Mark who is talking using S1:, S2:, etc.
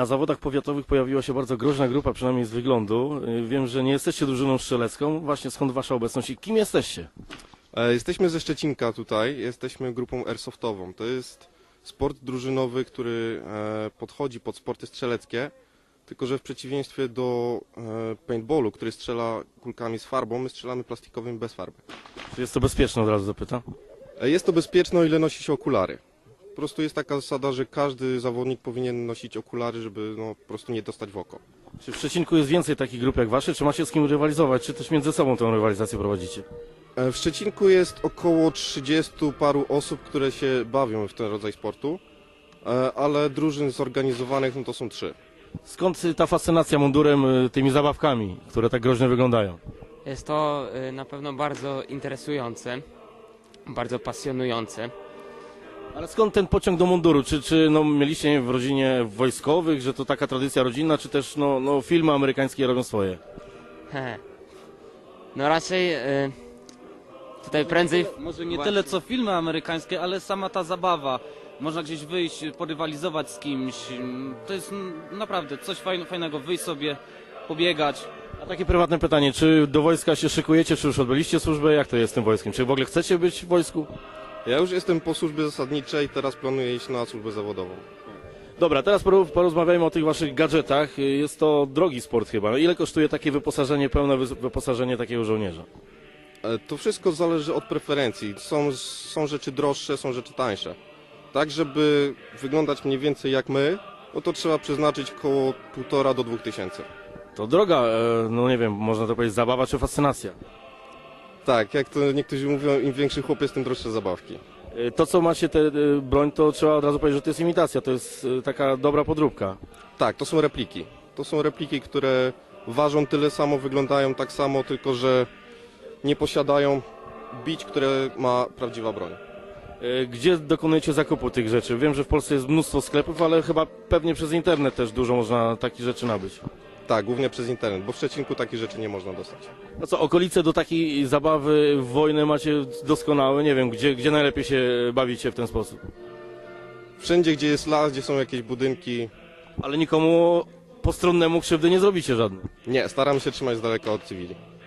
S1: Na zawodach powiatowych pojawiła się bardzo groźna grupa, przynajmniej z wyglądu. Wiem, że nie jesteście drużyną strzelecką. Właśnie skąd wasza obecność i kim jesteście?
S2: Jesteśmy ze Szczecinka tutaj, jesteśmy grupą airsoftową. To jest sport drużynowy, który podchodzi pod sporty strzeleckie, tylko że w przeciwieństwie do paintballu, który strzela kulkami z farbą, my strzelamy plastikowym bez farby.
S1: Czy jest to bezpieczne, od razu zapytam?
S2: Jest to bezpieczne, o ile nosi się okulary. Po prostu jest taka zasada, że każdy zawodnik powinien nosić okulary, żeby po prostu nie dostać w oko.
S1: Czy w Szczecinku jest więcej takich grup jak wasze? Czy macie z kim rywalizować? Czy też między sobą tę rywalizację prowadzicie?
S2: W Szczecinku jest około 30 paru osób, które się bawią w ten rodzaj sportu, ale drużyn zorganizowanych to są 3.
S1: Skąd ta fascynacja mundurem, tymi zabawkami, które tak groźnie wyglądają?
S3: Jest to na pewno bardzo interesujące, bardzo pasjonujące.
S1: Ale skąd ten pociąg do munduru? Czy mieliście nie wiem, w rodzinie wojskowych, że to taka tradycja rodzinna, czy też filmy amerykańskie robią swoje?
S3: No raczej tutaj prędzej...
S4: Może nie tyle co filmy amerykańskie, ale sama ta zabawa. Można gdzieś wyjść, porywalizować z kimś. To jest naprawdę coś fajnego. Wyjść sobie, pobiegać.
S1: A takie prywatne pytanie, czy do wojska się szykujecie, czy już odbyliście służbę? Jak to jest z tym wojskiem? Czy w ogóle chcecie być w wojsku?
S2: Ja już jestem po służbie zasadniczej, teraz planuję iść na służbę zawodową.
S1: Dobra, teraz porozmawiajmy o tych waszych gadżetach. Jest to drogi sport chyba. Ile kosztuje takie wyposażenie, pełne wyposażenie takiego żołnierza?
S2: To wszystko zależy od preferencji. Są rzeczy droższe, są rzeczy tańsze. Tak, żeby wyglądać mniej więcej jak my, to trzeba przeznaczyć około 1,5 do 2 tysięcy.
S1: To droga, nie wiem, można to powiedzieć zabawa czy fascynacja?
S2: Tak, jak to niektórzy mówią, im większy chłopiec, tym droższe zabawki.
S1: To co macie, tę broń, to trzeba od razu powiedzieć, że to jest imitacja, to jest taka dobra podróbka.
S2: Tak, to są repliki. To są repliki, które ważą tyle samo, wyglądają tak samo, tylko że nie posiadają bić, które ma prawdziwa broń.
S1: Gdzie dokonujecie zakupu tych rzeczy? Wiem, że w Polsce jest mnóstwo sklepów, ale chyba pewnie przez internet też dużo można takich rzeczy nabyć.
S2: Tak, głównie przez internet, bo w Szczecinku takich rzeczy nie można dostać.
S1: No co, okolice do takiej zabawy w wojnę macie doskonałe? Nie wiem, gdzie najlepiej się bawicie w ten sposób?
S2: Wszędzie, gdzie jest las, gdzie są jakieś budynki,
S1: Ale nikomu postronnemu krzywdy nie zrobicie żadnej.
S2: nie, staramy się trzymać z daleka od cywili.